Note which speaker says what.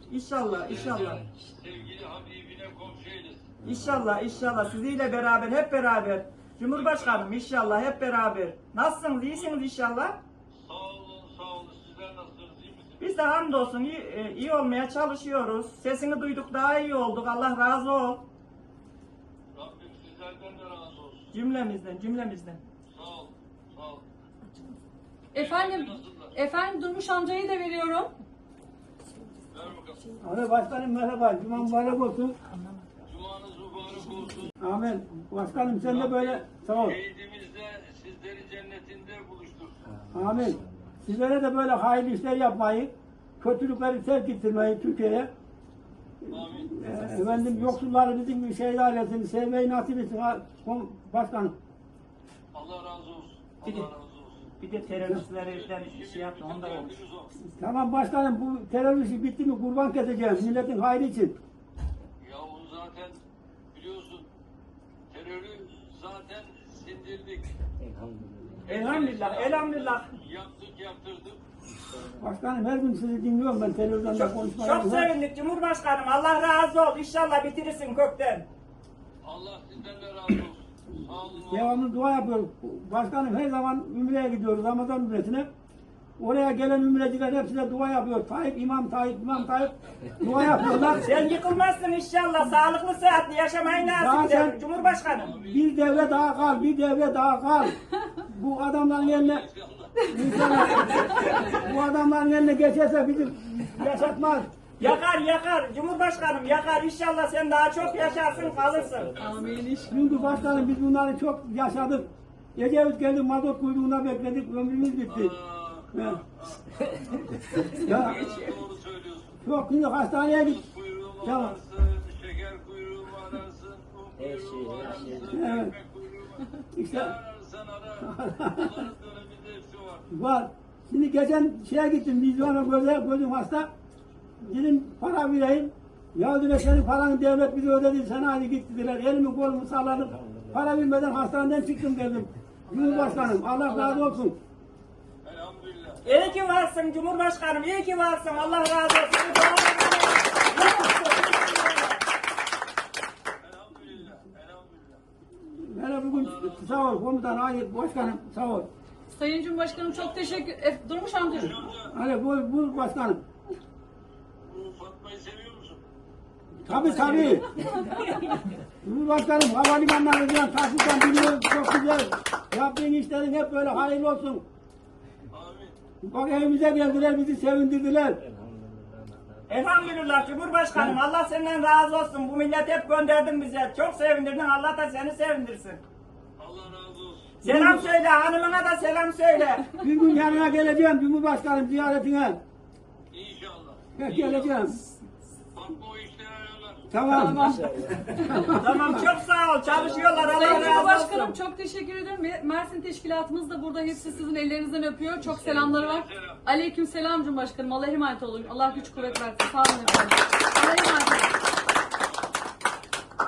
Speaker 1: İnşallah, inşallah.
Speaker 2: Sevgili Habibine komşu eylesin.
Speaker 1: İnşallah, inşallah. Sizinle beraber, hep beraber. Cumhurbaşkanım inşallah hep beraber. Nasılsınız? İyisiniz inşallah.
Speaker 2: Sağ olun, sağ olun. Sizler nasılsınız? İyi misiniz?
Speaker 1: Biz de hamdolsun iyi olmaya çalışıyoruz. Sesini duyduk daha iyi olduk. Allah razı ol.
Speaker 2: Rabbim sizlerden de razı olsun.
Speaker 1: Cümlemizden, cümlemizden.
Speaker 2: Sağ olun, sağ olun.
Speaker 3: Efendim Durmuş amcayı da veriyorum.
Speaker 2: Ver bakalım.
Speaker 4: Abi başkanım merhaba. Cuma mübarek olsun.
Speaker 2: Cumanız mübarek olsun.
Speaker 4: Amin. Başkanım sen de böyle sağ ol.
Speaker 2: Şehidimizde sizleri cennetinde buluştursun.
Speaker 4: Amin. Sizlere de böyle hayırlı işler yapmayı, kötülükleri terk ettirmeyi Türkiye'ye.
Speaker 2: Amin.
Speaker 4: Efendim yoksulları bizim gibi şehit ailesini sevmeyi nasip etsin başkanım.
Speaker 2: Allah razı olsun.
Speaker 1: Bir de-
Speaker 2: Allah razı olsun.
Speaker 1: Bir de teröristlerden şey yaptı, onda olmuş.
Speaker 2: Derdiniz o.
Speaker 4: Tamam başkanım bu terör işi bitti mi kurban keseceğim milletin hayrı için.
Speaker 2: Ya o zaten biliyorsun terörü zaten sindirdik.
Speaker 1: Elhamdülillah, elhamdülillah.
Speaker 2: Yaptık, yaptırdık.
Speaker 4: Başkanım her gün sizi dinliyorum ben televizyonda
Speaker 1: Çok
Speaker 4: konuşmalarınızı.
Speaker 1: sevindik Cumhurbaşkanım. Allah razı ol. İnşallah bitirirsin kökten.
Speaker 2: Allah sizden de razı olsun. Sağ olun.
Speaker 4: Devamlı dua yapıyoruz. Başkanım her zaman Ümre'ye gidiyoruz Ramazan Ümresi'ne. Oraya gelen ümreciler hepsine dua yapıyor. İmam Tayyip dua yapıyorlar.
Speaker 1: Sen yıkılmazsın inşallah. Sağlıklı sıhhatli yaşamayı nasip
Speaker 4: Zaten-
Speaker 1: eder Cumhurbaşkanım.
Speaker 4: Bir devre daha kal, bir devre daha kal. Bu adamların eline İnşallah. Bu adamların eline geçerse bizi yaşatmaz.
Speaker 1: Yakar yakar Cumhurbaşkanım yakar. İnşallah sen daha çok yaşarsın kalırsın.
Speaker 3: Amin.
Speaker 4: Çünkü başkanım biz bunları çok yaşadık. Ecevit geldi mazot kuyruğuna bekledik, ömrümüz bitti. Ya. Ya
Speaker 2: Doğru söylüyorsun.
Speaker 4: çok şimdi hastaneye git.
Speaker 2: Kuyruğu
Speaker 4: Tamam.
Speaker 2: ararsın, şeker kuyruğu ararsın, un kuyruğu ararsın,
Speaker 4: Evet.
Speaker 2: ekmek kuyruğu
Speaker 4: İşte
Speaker 2: ararsan ara. Bunların döneminde hepsi var.
Speaker 4: var. Şimdi geçen şeye gittim, vizyona gözüm hasta. Dedim para vereyim. Ya dediler senin paranı devlet bize ödedi, sen hadi git dediler. Elimi kolumu salladım. Para vermeden hastaneden çıktım dedim. Cumhurbaşkanım Allah razı olsun.
Speaker 2: Elhamdülillah.
Speaker 1: İyi ki varsın Cumhurbaşkanım. İyi ki varsın. Allah razı olsun.
Speaker 2: Elhamdülillah. Elhamdülillah.
Speaker 4: Hele bugün sağ ol komutan, hayır başkanım sağ ol.
Speaker 3: Sayın Cumhurbaşkanım çok teşekkür... Durmuş amcacığım.
Speaker 4: Hadi buyur başkanım.
Speaker 2: Bu Fatma'yı seviyor musun?
Speaker 4: Tabii. Cumhurbaşkanım havalimanlarından taksitten biliyoruz çok güzel. Yaptığın işlerin hep böyle hayırlı olsun.
Speaker 2: Amin.
Speaker 4: Bak evimize geldiler bizi sevindirdiler.
Speaker 1: Elhamdülillah Cumhurbaşkanım. Allah senden razı olsun. Bu millet hep gönderdin bize. Çok sevindirdin. Allah da seni sevindirsin.
Speaker 2: Allah razı olsun.
Speaker 1: Selam söyle. Hanımına da selam söyle.
Speaker 4: Bir gün yanına geleceğim Cumhurbaşkanım ziyaretine.
Speaker 2: İnşallah.
Speaker 4: Geleceğim.
Speaker 2: Fatma o işleri ayarlar.
Speaker 4: Tamam.
Speaker 1: Tamam çok sağ ol. Çalışıyorlar.
Speaker 3: Sayın
Speaker 1: Allah razı
Speaker 3: Cumhurbaşkanım
Speaker 1: olsun.
Speaker 3: çok teşekkür ederim. Mersin teşkilatımız da burada. Hepsi sizin ellerinizden öpüyor. Çok selamları var. Aleyküm selam Cumhurbaşkanım. Allah'a emanet olun. Allah güç kuvvet versin. Sağ olun efendim. Allah'a emanet olun.